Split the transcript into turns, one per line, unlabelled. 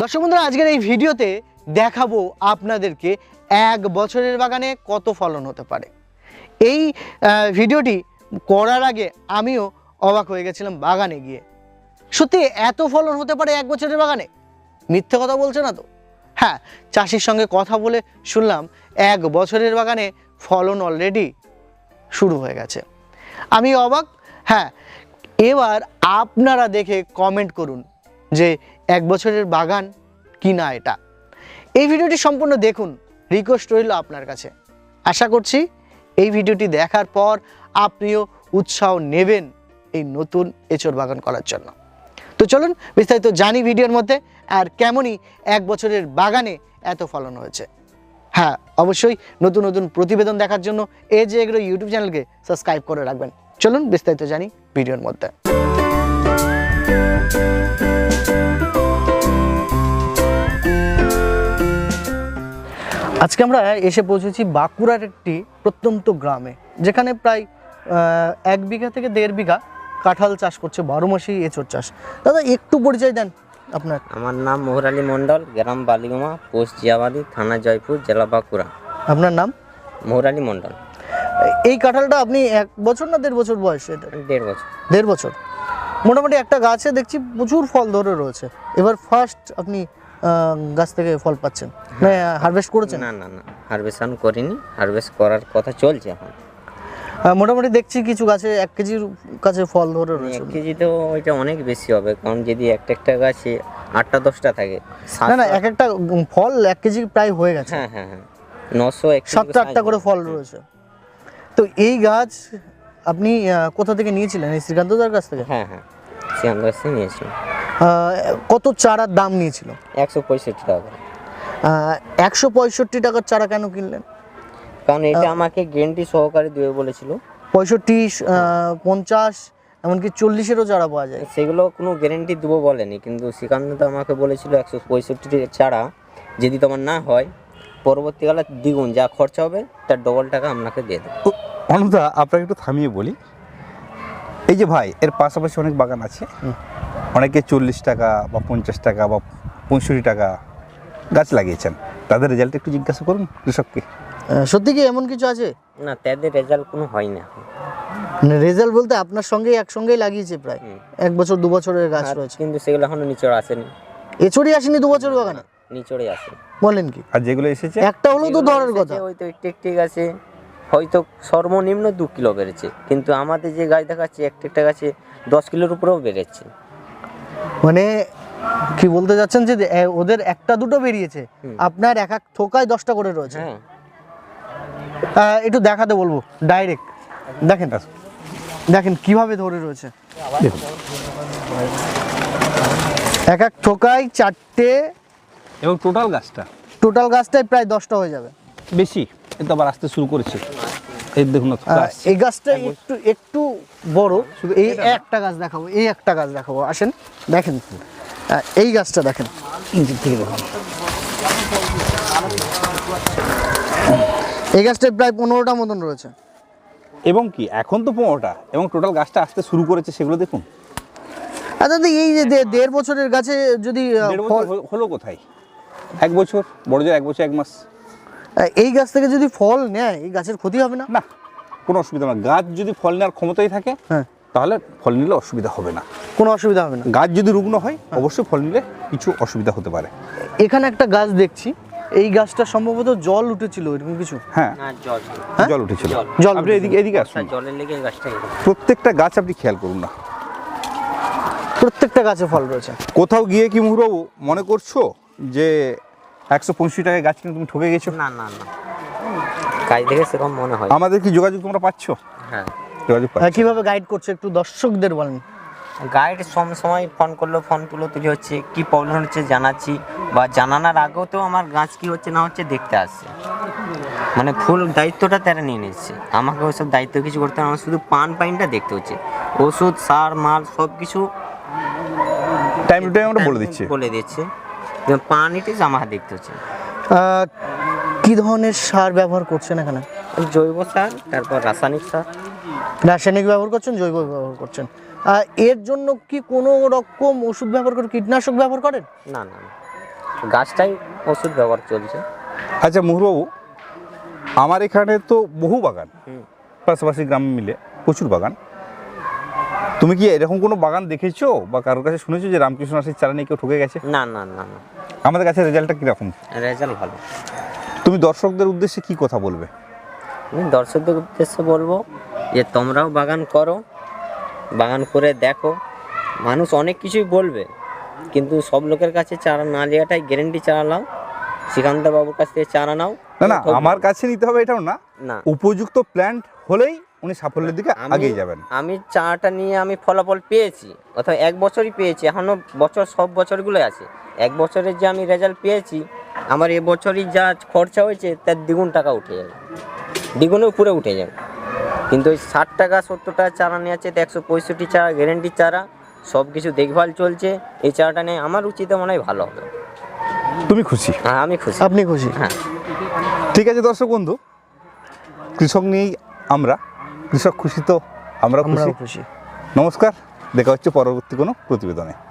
দর্শক বন্ধুরা, আজকের এই ভিডিওতে দেখাবো আপনাদেরকে 1 বছরের বাগানে কত ফলন হতে পারে। এই ভিডিওটি করার আগে আমিও অবাক হয়ে গেছিলাম বাগানে গিয়ে। সত্যি এত ফলন হতে পারে 1 বছরের বাগানে? মিথ্যে কথা বলছে না তো? হ্যাঁ, চাষির সঙ্গে কথা বলে শুনলাম 1 বছরের বাগানে ফলন অলরেডি শুরু হয়ে গেছে। আমি অবাক। হ্যাঁ, এবার আপনারা দেখে কমেন্ট করুন যে 1 বছরের বাগান কি না এটা। এই ভিডিওটি সম্পূর্ণ দেখুন, রিকোয়েস্ট রইল আপনার কাছে। আশা করছি এই ভিডিওটি দেখার পর আপনিও উৎসাহ নেবেন এই নতুন এঁচড় বাগান করার জন্য। তো চলুন বিস্তারিত জানি ভিডিওর মধ্যে, আর কেমনই 1 বছরের বাগানে এত ফলন হয়েছে। হ্যাঁ, অবশ্যই নতুন নতুন প্রতিবেদন দেখার জন্য এজ এগ্রো ইউটিউব চ্যানেলকে সাবস্ক্রাইব করে রাখবেন। চলুন বিস্তারিত জানি ভিডিওর মধ্যে। আজকে আমরা এসে পৌঁছেছি বাঁকুড়ার একটি প্রত্যন্ত গ্রামে, যেখানে প্রায় 1 বিঘা থেকে 1.5 বিঘা কাঁঠাল চাষ করছে, 12 মাসই এঁচড় চাষ। দাদা একটু পরিচয় দেন আপনার।
আমার নাম মোহরালী মণ্ডল, গ্রাম বালিগুমা, পোস্ট জিয়াবাড়ি, থানা জয়পুর, জেলা বাঁকুড়া।
আপনার নাম?
মোহরালী মণ্ডল।
এই কাঁঠালটা আপনি 1 বছর না 1.5 বছর বয়স? এটা
1.5 বছর।
1.5 বছর। মোটামুটি একটা গাছে দেখছি প্রচুর ফল ধরে রয়েছে। এবার ফার্স্ট আপনি গাছ থেকে ফল পাচ্ছেন, মানে হারভেস্ট করেছেন?
না না না, হারভেস্ট করিনি, হারভেস্ট করার কথা চলছে এখন।
মোটামুটি দেখছি কিছু গাছে 1 কেজির কাছে ফল ধরে রয়েছে।
1 কেজি তো ওইটা অনেক বেশি হবে, কারণ যদি একটা গাছে 8টা 10টা থাকে।
না না, একটা ফল 1 কেজি প্রায় হয়ে গেছে।
হ্যাঁ হ্যাঁ হ্যাঁ, 900
7টা 8টা করে ফল রয়েছে। তো এই গাছ আপনি কোথা থেকে নিয়েছিলেন? এই শ্রীকান্তদার কাছ থেকে?
হ্যাঁ হ্যাঁ, শ্রীকান্ত কাছ থেকে নিয়েছিলাম।
কত চারার দাম নিয়েছিল?
165 টাকা।
165 টাকার চারা কেন কিনলেন?
কারণ এটা আমাকে গ্যারান্টি সহকারে দেবে বলেছিল।
65, 50, এমনকি 40-এরও চারা পাওয়া যায়।
সেগুলো কোনো গ্যারেন্টি দেবো বলেনি, কিন্তু শ্রীকান্ত আমাকে বলেছিল 165 চারা যদি তোমার না হয় পরবর্তীকালে দ্বিগুণ যা খরচা হবে তার ডবল টাকা আপনাকে দিয়ে দেবো।
অনুদা, আপনাকে একটু থামিয়ে বলি। এই যে ভাই, এর পাশাপাশি অনেক বাগান আছে, অনেকে 40 টাকা বা 50 টাকা বা 65 টাকা গাছ লাগিয়েছেন। তাদের রেজাল্ট একটু জিজ্ঞাসা করুন কৃষককে।
সত্যি কি এমন কিছু আছে?
না, তাদের রেজাল্ট কোনো হয় না।
রেজাল্ট বলতে আপনার সঙ্গেই একসঙ্গেই লাগিয়েছে প্রায় 1 বছর 2 বছরের গাছ রয়েছে,
কিন্তু সেগুলো এখনো নিচড় আসেনি।
এছড়ি আসেনি 2 বছর বাগানে?
নিচড়ে আসে।
বলেন কি?
আর যেগুলো এসেছে
একটা হলো তো ধরার কথা।
ওই তো একটি গাছে হয়তো সর্বনিম্ন 2 কিলো বেড়েছে, কিন্তু আমাদের যে গাছ দেখাচ্ছে একটা গাছে 10 কিলোর উপরেও বেড়েছে।
মানে কি বলতে যাচ্ছেন যে ওদের 1টা 2টো বেরিয়েছে, আপনার এক থোকায় 10টা করে রয়েছে? একটু দেখাতে বলবো ডাইরেক্ট। দেখেন দেখেন কিভাবে ধরে রয়েছে। এক থোকায় 4টে,
এবং টোটাল
গাছটাই প্রায় 10টা হয়ে যাবে।
বেশি, এটা আবার আসতে শুরু করেছে। এই দেখুন,
এই গাছটা একটু বড়। শুধু এই একটা গাছ দেখাবো, আসেন দেখেন। এই গাছটা দেখেন, এই গাছটা প্রায় 15টা মতন রয়েছে।
এবং কি এখন তো 15টা, এবং টোটাল গাছটা আসতে শুরু করেছে, সেগুলো দেখুন।
আচ্ছা, এই যে 1.5 বছরের গাছে যদি
হলো কোথায়? 1 বছর, বড় জোর 1 বছর 1 মাস।
এই গাছ থেকে যদি ফল নেয়, এই গাছের ক্ষতি হবে না?
না, কোনো অসুবিধা না। গাছ যদি ফল নেওয়ার ক্ষমতাই থাকে,
হ্যাঁ,
তাহলে ফল নিলে অসুবিধা হবে না।
কোনো অসুবিধা হবে না।
গাছ যদি রুগ্ন হয়, অবশ্যই ফল নিলে কিছু অসুবিধা হতে পারে।
এখানে একটা গাছ দেখছি, এই গাছটা সম্ভবত জল উঠেছিল, এরকম কিছু।
হ্যাঁ,
না, জল
জল উঠেছিল।
জল
আপনি এদিকে আসুন।
জলের লেগে গাছটা
প্রত্যেকটা গাছ আপনি খেয়াল করুন না,
প্রত্যেকটা গাছে ফল রয়েছে।
কোথাও গিয়ে কি মুহুরবাবু মনে করছো যে 165 টাকায় গাছ কিনে তুমি ঠকে গেছো?
না না না, গাছ দেখে সেরকম মনে হয়।
আমাদের কি যোগাযোগ তোমরা পাচ্ছ?
হ্যাঁ,
যোগাযোগ পাচ্ছ।
কিভাবে গাইড করছে একটু দর্শকদের বলেন।
গাইড সময় ফোন করলো, ফোন তুলে হচ্ছে কি প্রবলেম হচ্ছে জানাচ্ছি, বা জানানোর আগেও তো আমার গাছ কি হচ্ছে না হচ্ছে দেখতে আসছে। মানে ফুল দায়িত্বটা তারা নিয়ে নিচ্ছে, আমাকে ওইসব দায়িত্ব কিছু করতে হবে না। আমার শুধু পাইনটা দেখতে হচ্ছে, ওষুধ সার মাল সব কিছু
টাইম টু টাইম আমরা বলে
দিচ্ছে। পানিটি আমার দেখতে হচ্ছে।
কি ধরনের সার ব্যবহার করছেন এখানে?
জৈব সার, তারপর রাসায়নিক সার।
রাসায়নিক ব্যবহার করছেন, জৈব ব্যবহার করছেন। এর জন্য কি কোনো রকম ওষুধ ব্যবহার করেন, কীটনাশক ব্যবহার করেন?
না না, গাছটাই ওষুধ ব্যবহার চলছে।
আচ্ছা মুহুরবাবু, আমার এখানে তো বহু বাগান, পাশাপাশি গ্রাম মিলে প্রচুর বাগান। তুমি কি এরকম কোনো বাগান দেখেছো বা কারোর কাছে শুনেছো যে রামকৃষ্ণ আশীর চারা নিয়ে কেউ ঠকে গেছে?
না না না না,
আমাদের কাছে রেজাল্টটা কীরকম?
রেজাল্ট ভালো।
তুমি দর্শকদের উদ্দেশ্যে কি কথা বলবে?
আমি দর্শকদের উদ্দেশ্যে বলবো যে তোমরাও বাগান করো, বাগান করে দেখো। মানুষ অনেক কিছুই বলবে, কিন্তু সব লোকের কাছে চারা না নেওয়াটাই গ্যারেন্টি। চারা নাও, শ্রীকান্ত বাবুর কাছ থেকে চারা নাও।
না না, আমার কাছে নিতে হবে এটাও না,
না,
উপযুক্ত প্ল্যান্ট হলেই উনি সাফল্যের দিকে আগিয়ে যাবেন।
আমি চারাটা নিয়ে আমি ফলাফল পেয়েছি, অথবা 1 বছরই পেয়েছি, এখনও বছর সব বছরগুলোই আছে। 1 বছরের যে আমি রেজাল্ট পেয়েছি, আমার এবছরই যা খরচা হয়েছে তার দ্বিগুণ টাকা উঠে যাবে, দ্বিগুণের উপরে উঠে যাবে। কিন্তু ওই 60 টাকা 70 টাকা চারা নিয়ে আছে, 165 চারা গ্যারেন্টি চারা, সব কিছু দেখভাল চলছে। এই চারাটা নিয়ে আমার উচিত মনে হয় ভালো হবে।
তুমি খুশি?
হ্যাঁ আমি খুশি।
আপনি খুশি?
হ্যাঁ।
ঠিক আছে দর্শক বন্ধু, কৃষক নিয়েই আমরা, কৃষক খুশি তো আমরা
আমরাও
খুশি।
খুশি।
নমস্কার, দেখা হচ্ছে পরবর্তী কোনো প্রতিবেদনে।